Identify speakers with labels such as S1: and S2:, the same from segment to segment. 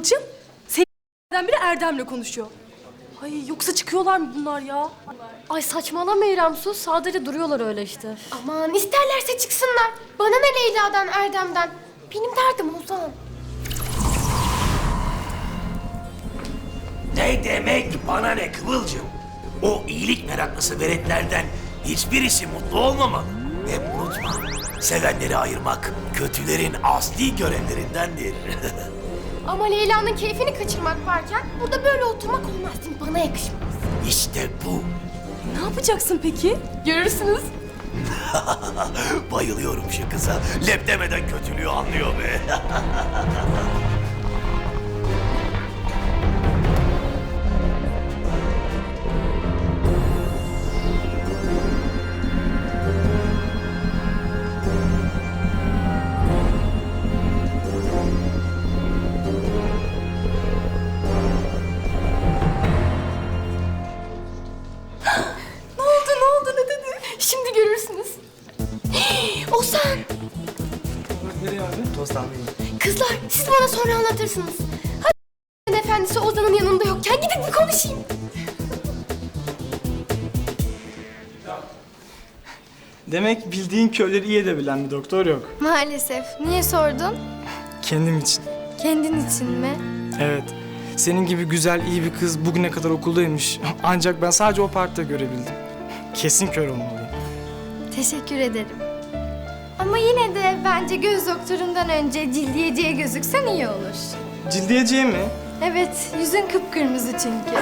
S1: Kıvılcım, senin biri Erdem'le konuşuyor. Ay yoksa çıkıyorlar mı bunlar ya?
S2: Ay saçmalama İrem, sus. Sadece duruyorlar öyle işte.
S3: Aman isterlerse çıksınlar. Bana ne Leyla'dan, Erdem'den. Benim derdim Ozan.
S4: Ne demek bana ne Kıvılcım? O iyilik meraklısı veletlerden hiçbirisi mutlu olmamalı. Hep unutma, sevenleri ayırmak kötülerin asli görevlerindendir.
S3: Ama Leyla'nın keyfini kaçırmak varken burada böyle oturmak olmaz değil mi? Bana yakışmaz.
S4: İşte bu.
S1: Ne yapacaksın peki?
S3: Görürsünüz.
S4: Bayılıyorum şu kıza. Lep demeden kötülüğü anlıyor be.
S3: Ne oldu ne dedi? Şimdi görürsünüz. Ozan!
S5: Nereye abi? Tost almayayım.
S3: Kızlar siz bana sonra anlatırsınız. Hadi efendisi Ozan'ın yanında yokken gidip bir konuşayım.
S5: Demek bildiğin köyleri iyi edebilen bir doktor yok.
S3: Maalesef. Niye sordun?
S5: Kendim için.
S3: Kendin için mi?
S5: Evet. Senin gibi güzel, iyi bir kız bugüne kadar okuldaymış. Ancak ben sadece o partide görebildim. Kesin kör olmalıyım.
S3: Teşekkür ederim. Ama yine de bence göz doktorundan önce cildiyeciye gözüksen iyi olur.
S5: Cildiyeciye mi?
S3: Evet, yüzün kıpkırmızı çünkü.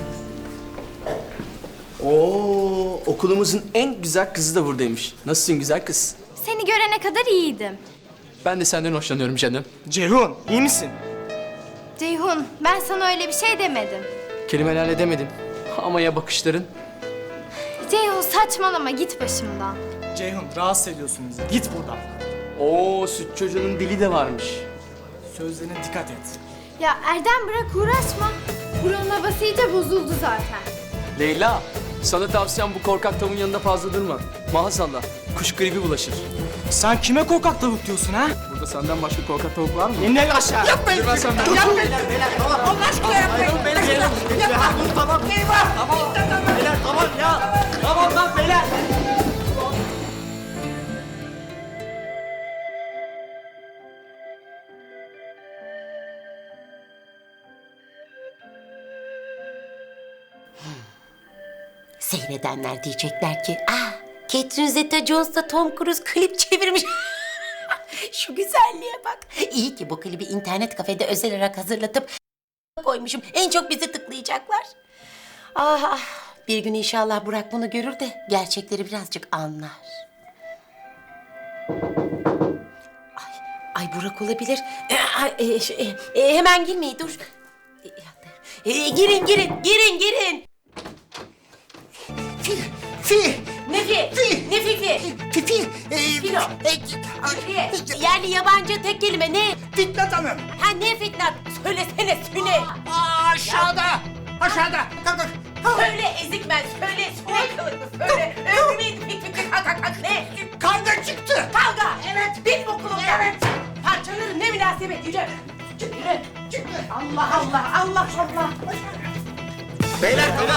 S6: Oo, okulumuzun en güzel kızı da buradaymış. Nasılsın güzel kız?
S3: Seni görene kadar iyiydim.
S6: Ben de senden hoşlanıyorum canım.
S5: Ceyhun, iyi misin?
S3: Ceyhun, ben sana öyle bir şey demedim.
S6: Kelimelerle demedim. Ama ya bakışların?
S3: Ceyhun saçmalama, git başımdan.
S5: Ceyhun, rahatsız ediyorsun bizi. Git buradan.
S6: Oo, süt çocuğunun dili de varmış.
S5: Sözlerine dikkat et.
S3: Ya Erdem bırak uğraşma. Buranın havası iyice bozuldu zaten.
S6: Leyla, sana tavsiyem bu korkak tavuğun yanında fazla durma. Maazallah, kuş gribi bulaşır.
S5: Sen kime korkak tavuk diyorsun ha?
S6: Burada senden başka korkak tavuk var mı?
S5: İn el aşağı.
S6: Yapmayın! Yapmayın!
S7: Seyredenler diyecekler ki, Catherine Zeta-Jones'la Tom Cruise klip çevirmiş. Şu güzelliğe bak. İyi ki bu klibi internet kafede özel olarak hazırlatıp koymuşum. En çok bizi tıklayacaklar. Ah, bir gün inşallah Burak bunu görür de gerçekleri birazcık anlar. Ay Burak olabilir. Hemen girmeyin, dur. Girin.
S8: Fi!
S7: Ne fi? Ne fi?
S8: Fi!
S7: Filo. Yerli yabancı tek kelime ne?
S8: Fitnat Hanım!
S7: Ha ne Fitnat? Söylesene söyle.
S8: Aşağıda! Aşağıda! Kalk!
S7: Söyle ezik ben söyle. Söyle kılıklı söyle. Ümit kalk ne?
S8: Kavga çıktı!
S7: Kavga. Evet. Benim okulum. Evet. Parçalarım ne münasebet yürü. Yürü. Allah.
S8: Beyler tamam!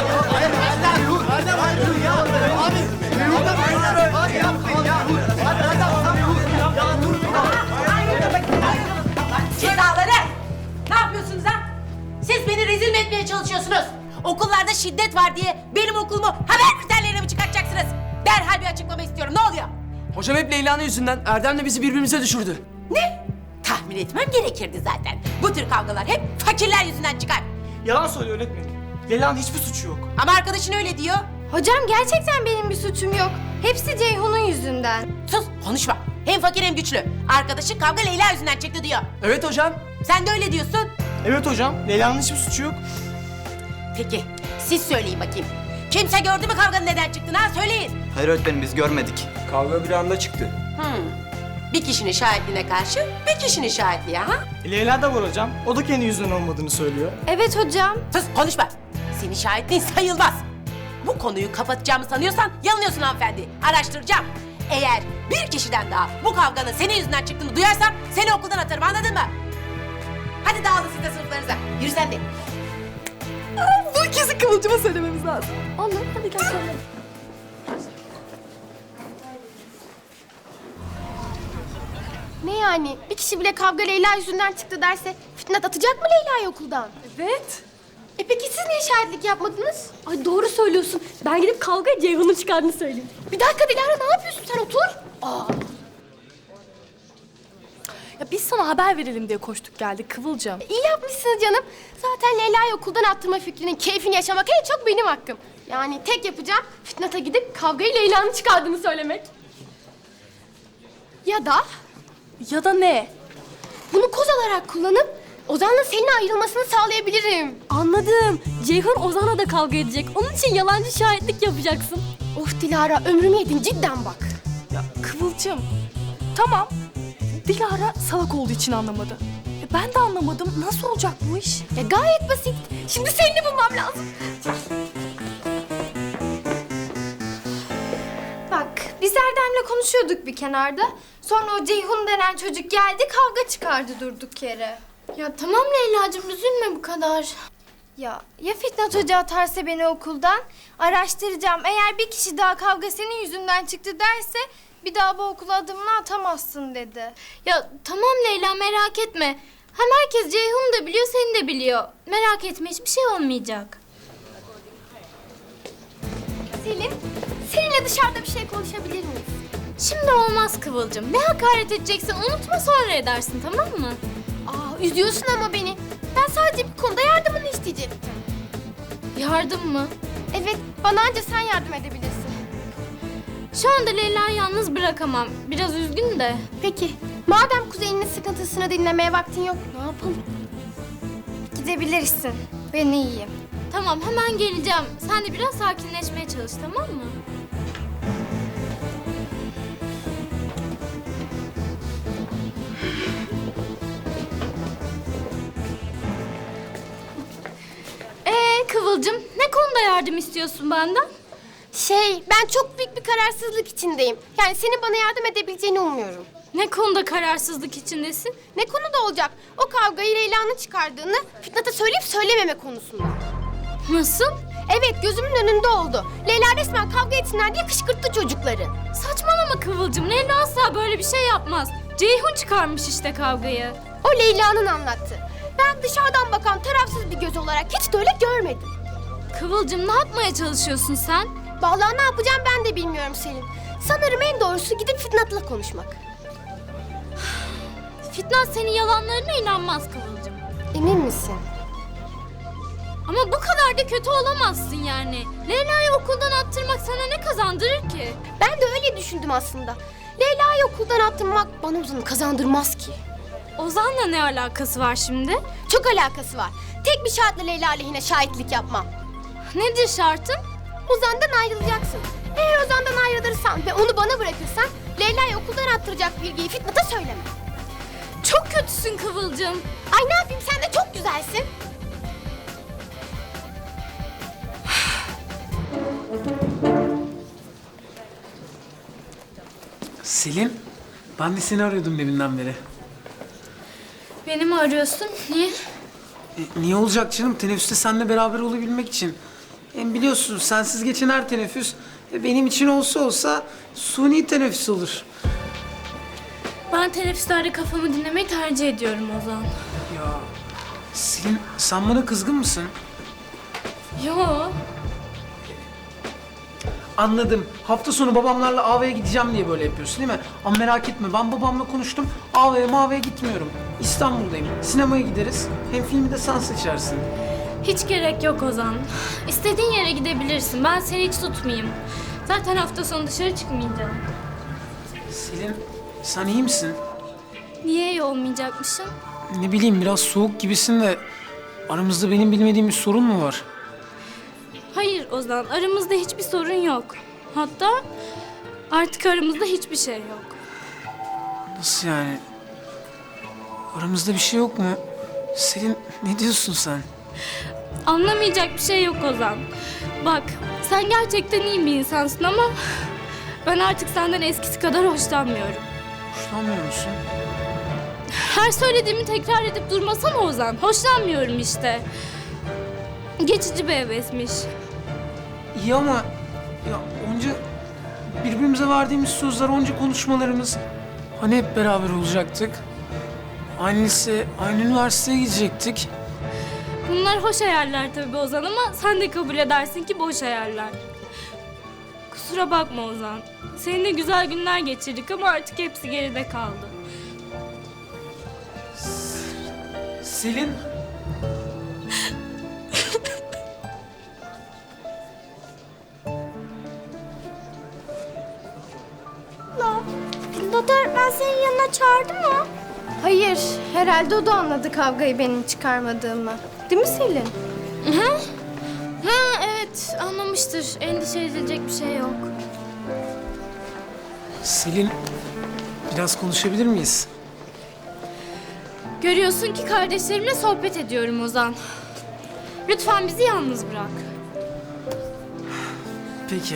S7: Cezaları. Ne yapıyorsunuz ha? Siz beni rezil mi etmeye çalışıyorsunuz? Okullarda şiddet var diye benim okulumu haber bültenlerine mi çıkartacaksınız? Derhal bir açıklama istiyorum. Ne oluyor?
S6: Hocam hep Leyla'nın yüzünden Erdem'le bizi birbirimize düşürdü.
S7: Ne? Tahmin etmem gerekirdi zaten. Bu tür kavgalar hep fakirler yüzünden çıkar.
S5: Yalan söylüyor öğretmenim. Leyla'nın hiçbir suçu yok.
S7: Ama arkadaşın öyle diyor.
S3: Hocam gerçekten benim bir suçum yok. Hepsi Ceyhun'un yüzünden.
S7: Sus konuşma. Hem fakir hem güçlü. Arkadaşın kavga Leyla yüzünden çıktı diyor.
S6: Evet hocam.
S7: Sen de öyle diyorsun.
S5: Evet hocam, Leyla'nın hiçbir suçu yok.
S7: Peki siz söyleyin bakayım. Kimse gördü mü kavganın neden çıktığını ha söyleyin.
S9: Hayır öğretmenim biz görmedik.
S6: Kavga bir anda çıktı.
S7: Bir kişinin şahitliğine karşı bir kişinin şahitliği ha?
S5: Leyla da var hocam. O da kendi yüzünden olmadığını söylüyor.
S3: Evet hocam.
S7: Sus konuşma. Senin şahitliğin sayılmaz. Bu konuyu kapatacağımı sanıyorsan yanılıyorsun hanımefendi. Araştıracağım. Eğer bir kişiden daha bu kavganın senin yüzünden çıktığını duyarsam seni okuldan atarım anladın mı? Hadi dağılın siz de sınıflarınıza. Yürü sen de.
S1: Bu kesin Kıvılcım'a söylememiz lazım.
S2: Olur, hadi gel söyle.
S3: Ne yani? Bir kişi bile kavga Leyla yüzünden çıktı derse Fitnat atacak mı Leyla'yı okuldan?
S1: Evet.
S3: Peki siz niye şahitlik yapmadınız?
S2: Ay doğru söylüyorsun. Ben gidip kavgaya Ceyhun'un çıkardığını söyleyeyim.
S3: Bir dakika Dilara, ne yapıyorsun sen, otur.
S1: Ya biz sana haber verelim diye koştuk geldik Kıvılcım.
S3: İyi yapmışsınız canım. Zaten Leyla'yı okuldan attırma fikrinin keyfini yaşamak en çok benim hakkım. Yani tek yapacağım Fitnat'a gidip kavgayı Leyla'nın çıkardığını söylemek. Ya da
S1: Ya da ne?
S3: bunu koz olarak kullanıp Ozan'la senin ayrılmasını sağlayabilirim.
S2: Anladım. Ceyhun Ozan'la da kavga edecek. Onun için yalancı şahitlik yapacaksın.
S3: Of Dilara, ömrümü yedin cidden bak.
S1: Ya Kıvılcım. Tamam. Dilara salak olduğu için anlamadı. Ben de anlamadım. Nasıl olacak bu iş?
S3: Ya gayet basit. Şimdi seni de bulmam lazım. Bak, biz Erdem'le konuşuyorduk bir kenarda. Sonra o Ceyhun denen çocuk geldi, kavga çıkardı durduk yere. Ya tamam Leyla'cığım, üzülme bu kadar. Ya Fitnat Hoca atarsa beni okuldan? Araştıracağım. Eğer bir kişi daha kavga senin yüzünden çıktı derse bir daha bu okula adımını atamazsın dedi.
S9: Ya tamam Leyla, merak etme. Hem herkes Ceyhun'u da biliyor, seni de biliyor. Merak etme, hiçbir şey olmayacak.
S3: Selin, seninle dışarıda bir şey konuşabilir miyiz?
S9: Şimdi olmaz Kıvılcım. Ne hakaret edeceksin unutma, sonra edersin, tamam mı?
S3: Üzüyorsun ama beni. Ben sadece bir konuda yardımını isteyecektim.
S9: Yardım mı?
S3: Evet, bana anca sen yardım edebilirsin.
S9: Şu anda Leyla'yı yalnız bırakamam. Biraz üzgün de.
S3: Peki, madem kuzeninin sıkıntısını dinlemeye vaktin yok, ne yapalım? Gidebilirsin. Ben iyiyim.
S9: Tamam, hemen geleceğim. Sen de biraz sakinleşmeye çalış, tamam mı? Kıvılcım, ne konuda yardım istiyorsun benden?
S3: Ben çok büyük bir kararsızlık içindeyim. Yani senin bana yardım edebileceğini umuyorum.
S9: Ne konuda kararsızlık içindesin?
S3: Ne konuda olacak? O kavgayı Leyla'nın çıkardığını Fitnat'a söyleyip söylememe konusunda.
S9: Nasıl?
S3: Evet, gözümün önünde oldu. Leyla resmen kavga etsinler diye kışkırttı çocukları.
S9: Saçmalama Kıvılcım, Leyla asla böyle bir şey yapmaz. Ceyhun çıkarmış işte kavgayı.
S3: O Leyla'nın anlattı. Ben dışarıdan bakan tarafsız bir göz olarak hiç de öyle görmedim.
S9: Kıvılcım, ne yapmaya çalışıyorsun sen?
S3: Vallahi ne yapacağım ben de bilmiyorum Selin. Sanırım en doğrusu gidip Fitnat'la konuşmak.
S9: Fitnat senin yalanlarına inanmaz Kıvılcım.
S3: Emin misin?
S9: Ama bu kadar da kötü olamazsın yani. Leyla'yı okuldan attırmak sana ne kazandırır ki?
S3: Ben de öyle düşündüm aslında. Leyla'yı okuldan attırmak bana Ozan'ı kazandırmaz ki.
S9: Ozan'la ne alakası var şimdi?
S3: Çok alakası var. Tek bir şartla Leyla aleyhine şahitlik yapmam.
S9: Nedir şartın?
S3: Ozan'dan ayrılacaksın. Eğer Ozan'dan ayrılırsan ve onu bana bırakırsan Leyla'yı okuldan attıracak bilgiyi Fitnat'a söyleme.
S9: Çok kötüsün Kıvılcım.
S3: Ay ne yapayım, sen de çok güzelsin.
S10: Selin, ben de seni arıyordum deminden beri.
S9: Beni mi arıyorsun? Niye?
S10: Niye olacak canım? Teneffüste seninle beraber olabilmek için. Hem biliyorsun sensiz geçen her teneffüs benim için olsa suni teneffüs olur.
S9: Ben teneffüslerde kafamı dinlemeyi tercih ediyorum Ozan.
S10: Ya Selin, sen bana kızgın mısın?
S9: Yo.
S10: Anladım. Hafta sonu babamlarla AV'ye gideceğim diye böyle yapıyorsun değil mi? Ama merak etme, ben babamla konuştum. AV'ye gitmiyorum. İstanbul'dayım. Sinemaya gideriz. Hem filmi de sen seçersin.
S9: Hiç gerek yok Ozan. İstediğin yere gidebilirsin. Ben seni hiç tutmayayım. Zaten hafta sonu dışarı çıkmayacağım.
S10: Selin, sen iyi misin?
S9: Niye iyi olmayacakmışım?
S10: Ne bileyim, biraz soğuk gibisin de aramızda benim bilmediğim bir sorun mu var?
S9: Hayır Ozan, aramızda hiçbir sorun yok. Hatta artık aramızda hiçbir şey yok.
S10: Nasıl yani? Aramızda bir şey yok mu? Selin, ne diyorsun sen?
S9: Anlamayacak bir şey yok Ozan. Bak, sen gerçekten iyi bir insansın ama ben artık senden eskisi kadar hoşlanmıyorum.
S10: Hoşlanmıyor musun?
S9: Her söylediğimi tekrar edip durmasana Ozan. Hoşlanmıyorum işte. Geçici bir hevesmiş.
S10: İyi ama ya onca birbirimize verdiğimiz sözler, onca konuşmalarımız, hani hep beraber olacaktık. Aynı lise, aynı üniversiteye gidecektik.
S9: Bunlar hoş hayaller tabii Ozan ama sen de kabul edersin ki boş hayaller. Kusura bakma Ozan. Seninle güzel günler geçirdik ama artık hepsi geride kaldı.
S10: Selin.
S3: Pilot öğretmen senin yanına çağırdı mı? Hayır, herhalde o da anladı kavgayı benim çıkarmadığımı. Değil mi Selin?
S9: Ha evet anlamıştır. Endişe edilecek bir şey yok.
S10: Selin, biraz konuşabilir miyiz?
S9: Görüyorsun ki kardeşlerimle sohbet ediyorum Ozan. Lütfen bizi yalnız bırak.
S10: Peki.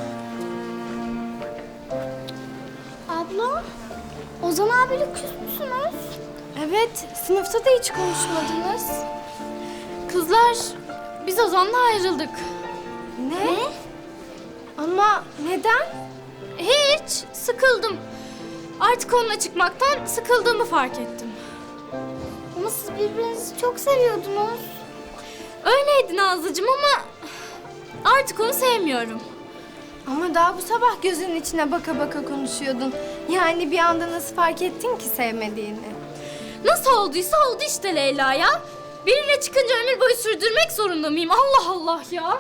S3: Abla, Ozan abiyle küs müsünüz? Evet, sınıfta da hiç konuşmadınız.
S9: Kızlar biz Ozan'la ayrıldık.
S3: Ne? Ama neden?
S9: Hiç sıkıldım. Artık onunla çıkmaktan sıkıldığımı fark ettim.
S3: Ama siz birbirinizi çok seviyordunuz.
S9: Öyleydi Nazlıcığım ama artık onu sevmiyorum.
S3: Ama daha bu sabah gözünün içine baka baka konuşuyordun. Yani bir anda nasıl fark ettin ki sevmediğini?
S9: Nasıl olduysa oldu işte Leyla ya. Biriyle çıkınca ömür boyu sürdürmek zorunda mıyım? Allah Allah ya.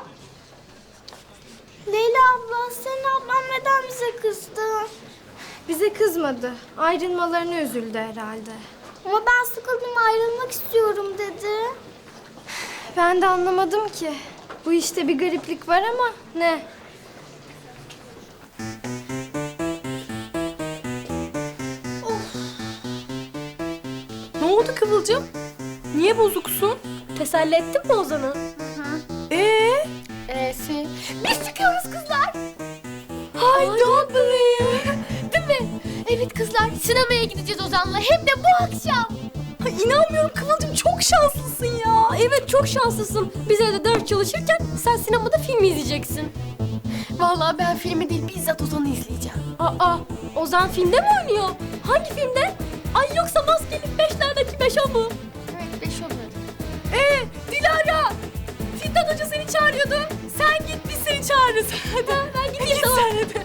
S3: Leyla abla, senin ablan neden bize kızdı? Bize kızmadı. Ayrılmalarına üzüldü herhalde. Ama ben sıkıldım, ayrılmak istiyorum dedi. Ben de anlamadım ki. Bu işte bir gariplik var ama ne?
S1: Ne oldu Kıvılcım? Niye bozuksun?
S2: Teselli ettin mi Ozan'ı?
S3: Biz çıkıyoruz kızlar.
S1: I don't believe.
S3: Değil mi? Evet kızlar, sinemaya gideceğiz Ozan'la. Hem de bu akşam.
S1: Ay, inanmıyorum Kıvılcım, çok şanslısın ya.
S2: Evet çok şanslısın. Bize de ders çalışırken sen sinemada film izleyeceksin.
S1: Vallahi ben filmi değil, bizzat Ozan'ı izleyeceğim.
S2: Aa, Ozan filmde mi oynuyor? Hangi filmde? Ay yoksa Maskeli Beşler'deki Beşo mu?
S3: Evet, 5 olur.
S1: Dilara! Fitnat Hoca seni çağırıyordu. Sen git, biz seni çağırırız. Hadi. Ben gideyim tamam. Sen hadi.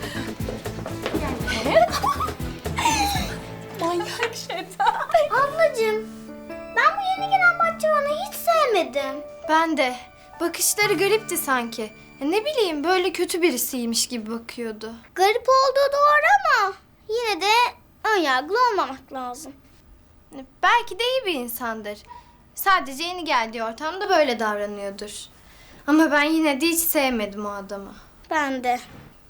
S1: Manyak şeytan.
S3: Ablacığım, ben bu yeni gelen bahçıvanı hiç sevmedim. Ben de. Bakışları garipti sanki. Ne bileyim, böyle kötü birisiymiş gibi bakıyordu. Garip olduğu doğru ama yine de önyargılı olmamak lazım. Belki de iyi bir insandır. Sadece yeni geldiği ortamda böyle davranıyordur. Ama ben yine de hiç sevmedim o adamı. Ben de.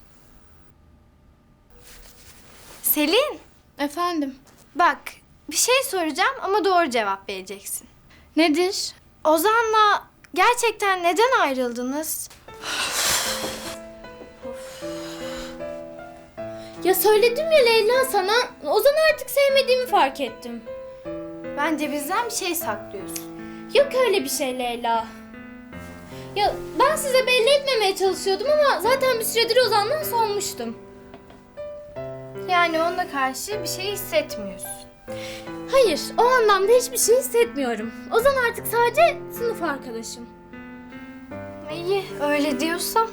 S3: Selin.
S9: Efendim?
S3: Bak, bir şey soracağım ama doğru cevap vereceksin.
S9: Nedir?
S3: Ozan'la gerçekten neden ayrıldınız?
S9: Ya söyledim ya Leyla sana. Ozan'ı artık sevmediğimi fark ettim.
S3: Bence bizden bir şey saklıyorsun.
S9: Yok öyle bir şey Leyla. Ya ben size belli etmemeye çalışıyordum ama zaten bir süredir Ozan'dan soğumuştum.
S3: Yani onunla karşı bir şey hissetmiyorsun.
S9: Hayır, o anlamda hiçbir şey hissetmiyorum. Ozan artık sadece sınıf arkadaşım.
S3: İyi, öyle diyorsan.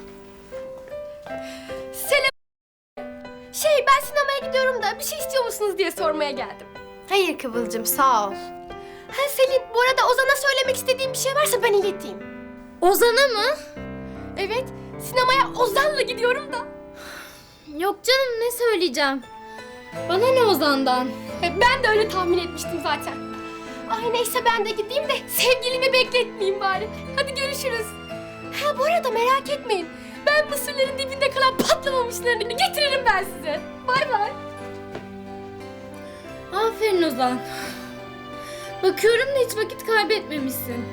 S2: Ben sinemaya gidiyorum da bir şey istiyor musunuz diye sormaya geldim.
S3: Hayır Kıvılcım, sağ ol.
S2: Selin, bu arada Ozan'a söylemek istediğim bir şey varsa ben ileteyim.
S9: Ozan'a mı?
S2: Evet, sinemaya Ozan'la gidiyorum da.
S9: Yok canım, ne söyleyeceğim? Bana ne Ozan'dan?
S2: Ben de öyle tahmin etmiştim zaten. Ay neyse ben de gideyim de sevgilimi bekletmeyeyim bari. Hadi görüşürüz. Ha bu arada merak etmeyin. Ben mısırların dibinde kalan patlamamışlarını getiririm ben size. Bay bay.
S9: Aferin Ozan. Bakıyorum da hiç vakit kaybetmemişsin.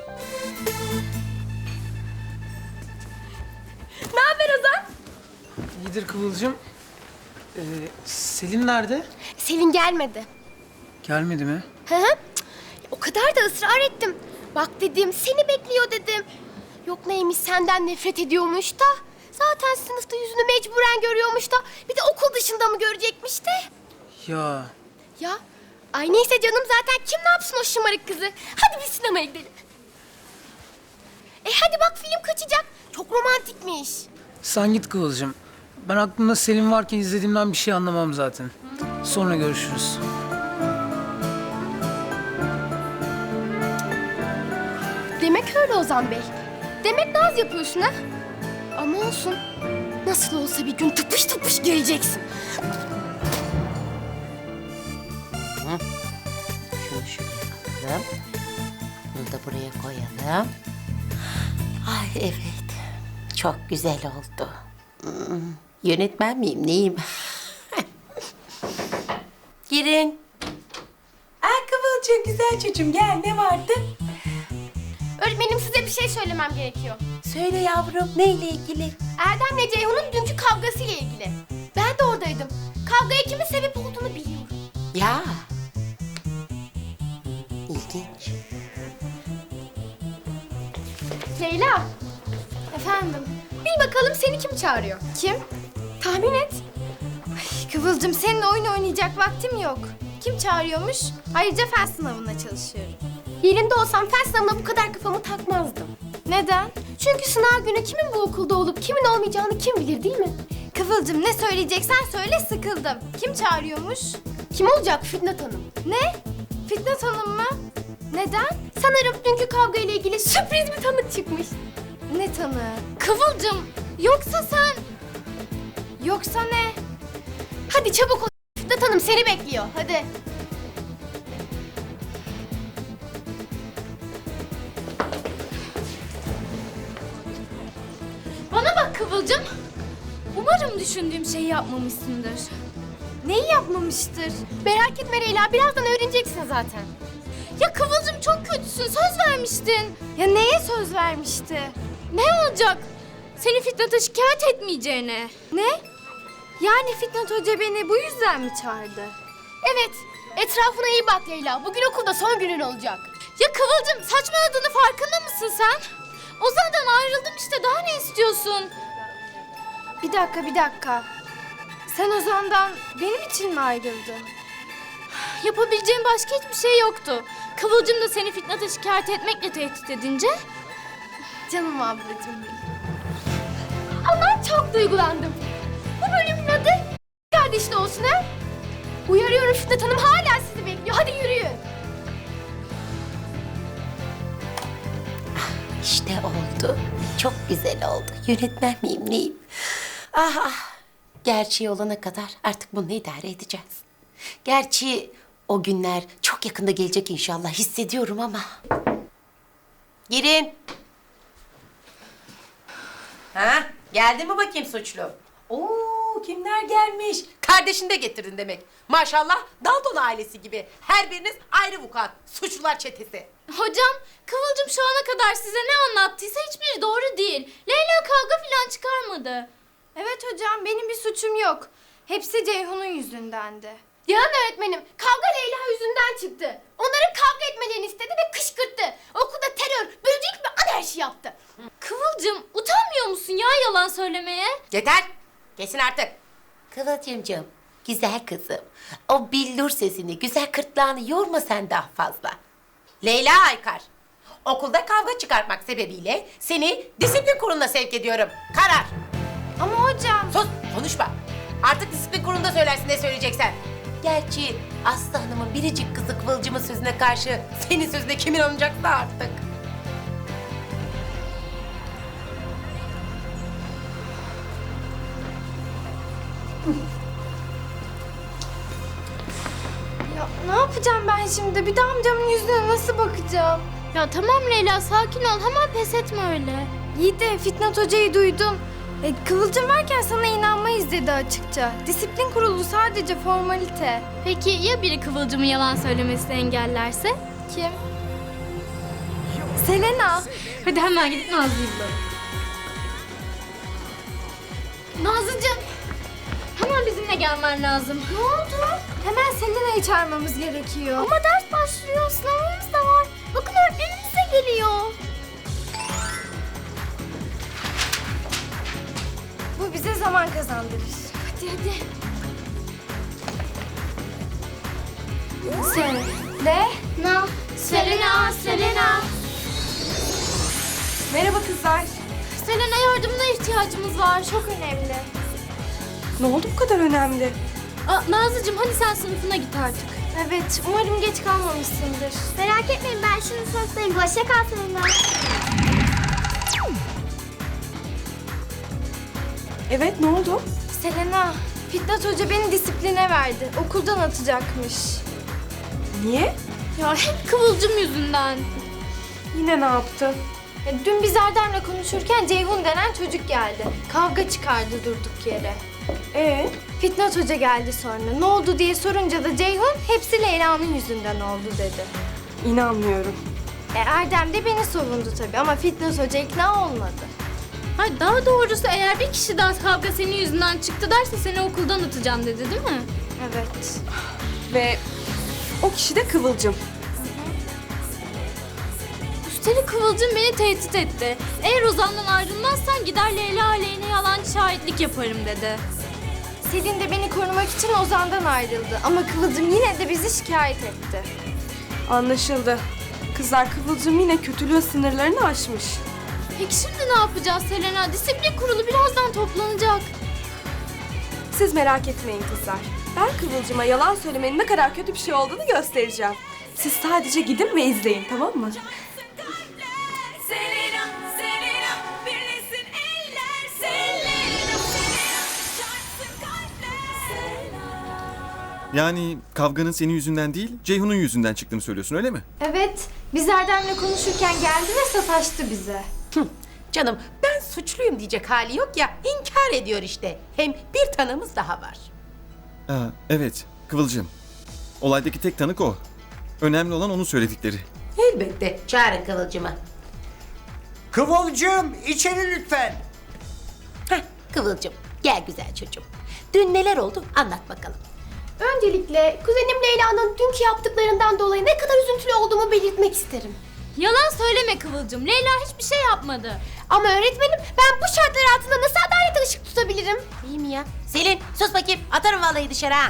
S2: Ne haber Ozan?
S10: İyidir Kıvılcım. Selin nerede?
S2: Selin gelmedi.
S10: Gelmedi mi?
S2: Hı hı. O kadar da ısrar ettim. Bak dedim, seni bekliyor dedim. Yok neymiş, senden nefret ediyormuş da. Zaten sınıfta yüzünü mecburen görüyormuş da. Bir de okul dışında mı görecekmiş de.
S10: Ya
S2: Ya, ay neyse canım, zaten kim ne yapsın o şımarık kızı. Hadi bir sinemaya gidelim. Hadi bak, film kaçacak. Çok romantikmiş.
S10: sen git Kıvılcım. Ben aklımda Selin varken izlediğimden bir şey anlamam zaten. Sonra görüşürüz.
S2: Demek öyle Ozan Bey. Demek naz yapıyorsun ha? Ama olsun. Nasıl olsa bir gün tıpış tıpış geleceksin.
S7: Şunu şuraya alalım. Bunu da buraya koyalım. Ay evet. Çok güzel oldu. Yönetmen miyim neyim? Girin. Kıvılcım güzel çocuğum gel ne vardı?
S2: Öğretmenim, size bir şey söylemem gerekiyor.
S7: Söyle yavrum neyle ilgili?
S2: Erdem'le Ceyhun'un dünkü kavgasıyla ilgili. Ben de oradaydım. Kavgaya kimin sebep olduğunu biliyorum.
S7: Ya. İlginç.
S2: Leyla. Efendim? Bil bakalım, seni kim çağırıyor?
S3: Kim?
S2: Tahmin et.
S3: Kıvılcım, seninle oyun oynayacak vaktim yok. Kim çağırıyormuş? Ayrıca fen sınavına çalışıyorum.
S2: Yerinde olsam fen sınavına bu kadar kafamı takmazdım.
S3: Neden?
S2: Çünkü sınav günü kimin bu okulda olup kimin olmayacağını kim bilir, değil mi?
S3: Kıvılcım, ne söyleyeceksen söyle, sıkıldım. Kim çağırıyormuş?
S2: Kim olacak? Fitnat Hanım.
S3: Ne? Fitnat Hanım mı? Neden?
S2: Sanırım dünkü kavga ile ilgili sürpriz bir tanık çıkmış.
S3: Ne tanığı?
S2: Kıvılcım, yoksa sen...
S3: Yoksa ne?
S2: Hadi çabuk ol. Fitnat Hanım seni bekliyor. Hadi.
S9: Bana bak Kıvılcım. Umarım düşündüğüm şeyi yapmamışsındır.
S3: Neyi yapmamıştır?
S2: Merak etme Leyla, birazdan öğreneceksin zaten.
S9: Ya Kıvılcım çok kötüsün. Söz vermiştin.
S3: Ya neye söz vermişti?
S9: Ne olacak? Seni Fitnat'a şikayet etmeyeceğine.
S3: Ne? Yani Fitnat Hoca beni bu yüzden mi çağırdı?
S2: Evet, etrafına iyi bak Leyla. Bugün okulda son günün olacak.
S9: Ya Kıvılcım saçmaladığını farkında mısın sen? Ozan'dan ayrıldım işte, daha ne istiyorsun?
S3: Bir dakika. Sen Ozan'dan benim için mi ayrıldın?
S9: Yapabileceğim başka hiçbir şey yoktu. Kıvılcım da seni Fitnat'a şikayet etmekle tehdit edince...
S3: Canım ablacığım benim.
S2: Ama çok duygulandım. Bu bölümün adı kardeşli olsun ha? Uyarıyorum, Fitnat Hanım hala sizi bekliyor. Hadi yürüyün.
S7: İşte oldu. Çok güzel oldu. Yönetmen miyim neyim? Gerçeği olana kadar artık bunu idare edeceğiz. Gerçi o günler çok yakında gelecek inşallah hissediyorum ama. Girin. Geldi mi bakayım suçlu? Oo, kimler gelmiş? Kardeşini de getirdin demek. Maşallah Dalton ailesi gibi. Her biriniz ayrı vukuat. Suçlular çetesi.
S9: Hocam, Kıvılcım şu ana kadar size ne anlattıysa hiçbiri doğru değil. Leyla kavga falan çıkarmadı.
S3: Evet hocam, benim bir suçum yok. Hepsi Ceyhun'un yüzündendi.
S2: Yalan öğretmenim. Kavga Leyla yüzünden çıktı. Onların kavga etmelerini istedi ve kışkırttı. Okulda terör, böcek ve anarşi yaptı.
S9: Kıvılcım, utanmıyor musun ya yalan söylemeye?
S7: Yeter. Kesin artık. Kıvılcımcığım, güzel kızım. O billur sesini, güzel kırtlağını yorma sen daha fazla. Leyla Aykar, okulda kavga çıkartmak sebebiyle seni disiplin kuruluna sevk ediyorum. Karar.
S3: Ama hocam...
S7: Sus, konuşma. Artık disiplin kurulunda söylersin ne söyleyeceksen. Gerçi Aslı Hanım'ın biricik kızı Kıvılcım'ın sözüne karşı senin sözüne kimin alınacaksa artık.
S3: Ya ne yapacağım ben şimdi? Bir de amcamın yüzüne nasıl bakacağım?
S9: Ya tamam Leyla, sakin ol, hemen pes etme öyle.
S3: İyi de Fitnat Hoca'yı duydum. Kıvılcım varken sana inanmayız dedi açıkça. Disiplin kurulu sadece formalite.
S9: Peki ya biri Kıvılcım'ın yalan söylemesini engellerse?
S3: Kim? Selena.
S9: Hadi hemen gidip Nazlı'yı bulalım.
S2: Nazlıcığım,
S9: bizimle gelmen lazım.
S3: Ne oldu? Hemen Selena'yı çağırmamız gerekiyor.
S2: Ama ders başlıyor, sınavımız da var. Bakın öğretmenimiz de geliyor.
S3: Bu bize zaman kazandırır.
S2: Hadi hadi. Selena.
S1: Merhaba kızlar.
S2: Selena yardımına ihtiyacımız var.
S3: Çok önemli.
S1: Ne oldu bu kadar önemli?
S9: Nazlıcığım hadi sen sınıfına git artık.
S3: Evet, umarım geç kalmamışsındır.
S2: Merak etmeyin ben şimdi sınıftayım. Hoşça kal Selena.
S1: Evet, ne oldu?
S3: Selena, Fitnat Hoca beni disipline verdi. Okuldan atacakmış.
S1: Niye?
S9: Ya hep Kıvılcım yüzünden.
S1: Yine ne yaptı?
S3: Dün biz Erdem'le konuşurken Ceyhun denen çocuk geldi. Kavga çıkardı durduk yere. Fitnat Hoca geldi sonra. Ne oldu diye sorunca da Ceyhun hepsi Leyla'nın yüzünden oldu dedi.
S1: İnanmıyorum.
S3: Erdem de beni savundu tabii ama Fitnat Hoca ikna olmadı.
S9: Hayır daha doğrusu eğer bir kişi daha kavga senin yüzünden çıktı derse seni okuldan atacağım dedi değil mi?
S3: Evet.
S1: Ve o kişi de Kıvılcım.
S9: Üstelik Kıvılcım beni tehdit etti. Eğer Ozan'dan ayrılmazsan gider Leyla aleyhine yalancı şahitlik yaparım dedi.
S3: Selin de beni korumak için Ozan'dan ayrıldı. Ama Kıvılcım yine de bizi şikayet etti.
S1: Anlaşıldı. Kızlar, Kıvılcım yine kötülüğün sınırlarını aşmış.
S9: Peki şimdi ne yapacağız Selena? Disiplin kurulu birazdan toplanacak.
S1: Siz merak etmeyin kızlar. Ben Kıvılcım'a yalan söylemenin ne kadar kötü bir şey olduğunu göstereceğim. Siz sadece gidin ve izleyin, tamam mı?
S11: Yani kavganın senin yüzünden değil, Ceyhun'un yüzünden çıktığını söylüyorsun öyle mi?
S3: Evet, biz Erdem'le konuşurken geldi ve sataştı bize.
S7: Canım ben suçluyum diyecek hali yok ya, inkar ediyor işte. Hem bir tanığımız daha var.
S11: Evet, Kıvılcım. Olaydaki tek tanık o. Önemli olan onun söyledikleri.
S7: Elbette, çağırın Kıvılcım'ı.
S8: Kıvılcım içeri lütfen.
S7: Heh, Kıvılcım, gel güzel çocuğum. Dün neler oldu anlat bakalım.
S2: Öncelikle kuzenim Leyla'nın dünkü yaptıklarından dolayı ne kadar üzüntülü olduğumu belirtmek isterim.
S9: Yalan söyleme Kıvılcım. Leyla hiçbir şey yapmadı.
S2: Ama öğretmenim ben bu şartlar altında nasıl adalete ışık tutabilirim?
S7: İyi mi ya? Selin sus bakayım, atarım vallahi dışarı ha.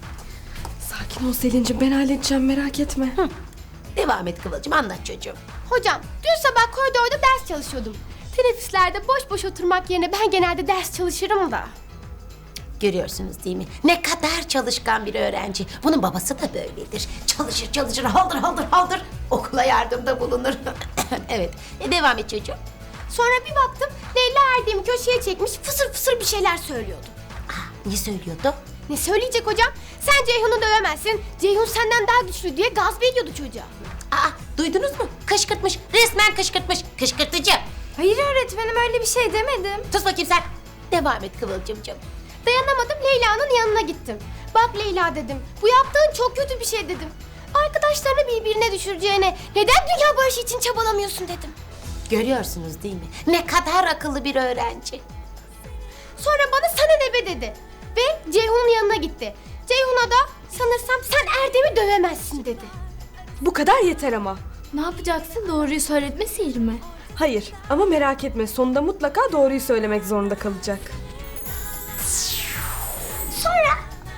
S1: Sakin ol Selin'cim, ben halledeceğim, merak etme.
S7: Devam et Kıvılcım, anlat çocuğum.
S2: Hocam dün sabah koridorda ders çalışıyordum. Teneffüslerde boş boş oturmak yerine ben genelde ders çalışırım da.
S7: Görüyorsunuz değil mi? Ne kadar çalışkan bir öğrenci. Bunun babası da böyledir. Çalışır, haldır. Okula yardımda bulunur. Evet, devam et çocuğum.
S2: Sonra bir baktım Leyla Erdem'i köşeye çekmiş fısır fısır bir şeyler söylüyordu.
S7: Ne söylüyordu?
S2: Ne söyleyecek hocam? Sen Ceyhun'u dövemezsin. Ceyhun senden daha güçlü diye gaz veriyordu çocuğa.
S7: Duydunuz mu? Kışkırtmış, resmen kışkırtmış. Kışkırtıcı.
S3: Hayır öğretmenim, öyle bir şey demedim.
S7: Sus bakayım sen. Devam et Kıvılcımcığım.
S2: Dayanamadım Leyla'nın yanına gittim. Bak Leyla dedim. Bu yaptığın çok kötü bir şey dedim. Arkadaşlarını birbirine düşüreceğine neden dünya barışı için çabalamıyorsun dedim.
S7: Görüyorsunuz değil mi? Ne kadar akıllı bir öğrenci.
S2: Sonra bana sana ne be dedi. Ve Ceyhun'un yanına gitti. Ceyhun'a da sanırsam sen Erdem'i dövemezsin dedi.
S1: Bu kadar yeter ama.
S9: Ne yapacaksın? Doğruyu söyletme sihir mi?
S1: Hayır, ama merak etme, sonunda mutlaka doğruyu söylemek zorunda kalacak.
S2: Sonra...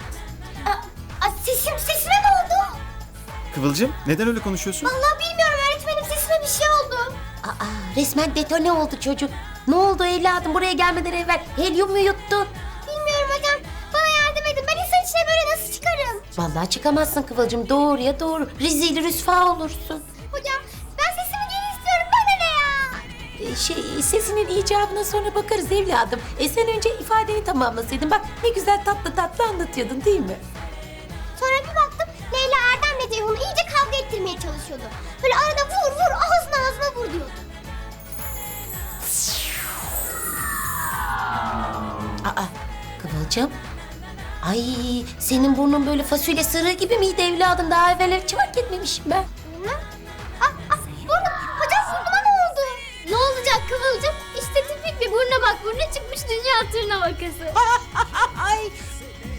S2: Sesime ne oldu?
S11: Kıvılcım, neden öyle konuşuyorsun?
S2: Vallahi bilmiyorum öğretmenim sesime bir şey oldu.
S7: Resmen detone oldu çocuk. Ne oldu evladım? Buraya gelmeden evvel helyum mu yuttu?
S2: Bilmiyorum hocam. Bana yardım edin. Ben insan içine böyle nasıl çıkarım?
S7: Vallahi çıkamazsın Kıvılcım. Doğruya doğru. Rezil rüsva olursun.
S2: Hocam ben sesimi geri istiyorum. Bana ne ya?
S7: Sesinin icabına sonra bakarız evladım. Sen önce ifadeni tamamlasaydın. Bak ne güzel tatlı anlatıyordun değil mi?
S2: Sonra bir baktım Leyla Erdem'le Ceyhun'u iyice kavga ettirmeye çalışıyordu. Böyle arada vur ağzına vur diyordu.
S7: Kıvılcım. Ay senin burnun böyle fasulye sırığı gibi miydi evladım? Daha evvel hiç fark etmemişim ben.
S2: Hocam burnuma ne oldu?
S9: Ne olacak Kıvılcım? İşte tipik bir burna bak. Burnu çıkmış dünya tırna vakası.
S7: Ay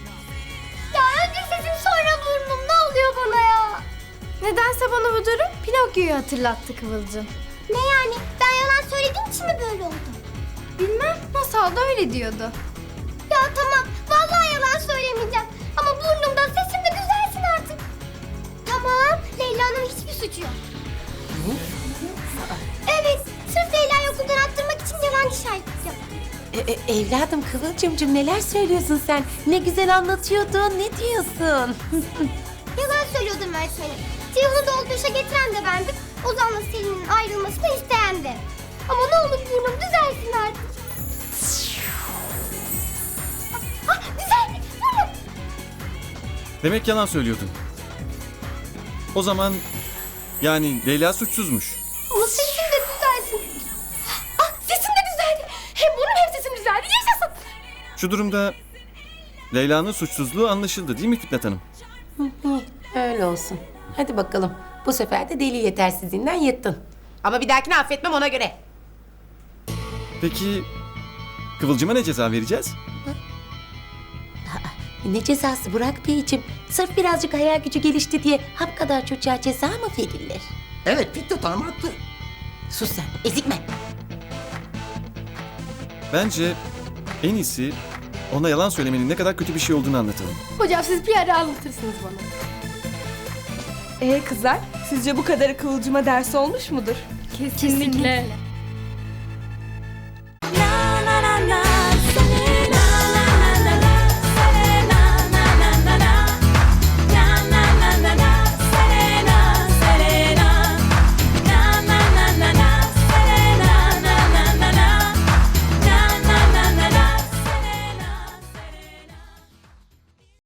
S3: önce sesim sonra burnum. Ne oluyor bana ya? Nedense bana bu durum Pinokyo'yu hatırlattı Kıvılcım. Ne yani? Ben yalan söylediğim için mi böyle oldu? Bilmem. Masal da öyle diyordu. Ya tamam. Vallahi yalan söylemeyeceğim. Ama burnumda sesim de düzelsin artık. Tamam. Leyla'nın hiçbir suçu yok. Evet. Sırf Leyla'yı okuldan attırmak için yalancı şahit yaptım.
S7: Evladım Kıvılcımcığım neler söylüyorsun sen? Ne güzel anlatıyordun. Ne diyorsun?
S3: Yalan söylüyordum öğretmenim. Ceyhun'u dolduruşa getiren de bendim. Ozan'la Selin'in ayrılmasını isteyen de. Ama ne olur burnum düzelsin artık. Düzeldi burnum.
S11: Demek yalan söylüyordun. O zaman yani Leyla suçsuzmuş.
S3: Ama sesim de düzelsin.
S2: Sesim de düzeldi. Hem burnum hem sesim düzeldi. Yaşasın.
S11: Şu durumda Leyla'nın suçsuzluğu anlaşıldı değil mi Fitnat Hanım?
S7: Öyle olsun. Hadi bakalım. Bu sefer de deli yetersizliğinden yırttın. Ama bir dahakine affetmem ona göre.
S11: Peki Kıvılcım'a ne ceza vereceğiz?
S7: Ne cezası Burak Beyciğim? Sırf birazcık hayal gücü gelişti diye hap kadar çocuğa ceza mı verilir?
S8: Evet Fitnat Hanım haklı.
S7: Sus sen, ezikme.
S11: Bence en iyisi ona yalan söylemenin ne kadar kötü bir şey olduğunu anlatalım.
S2: Hocam siz bir ara anlatırsınız bana.
S1: Kızlar, sizce bu kadarı Kıvılcım'a ders olmuş mudur?
S9: Kesinlikle.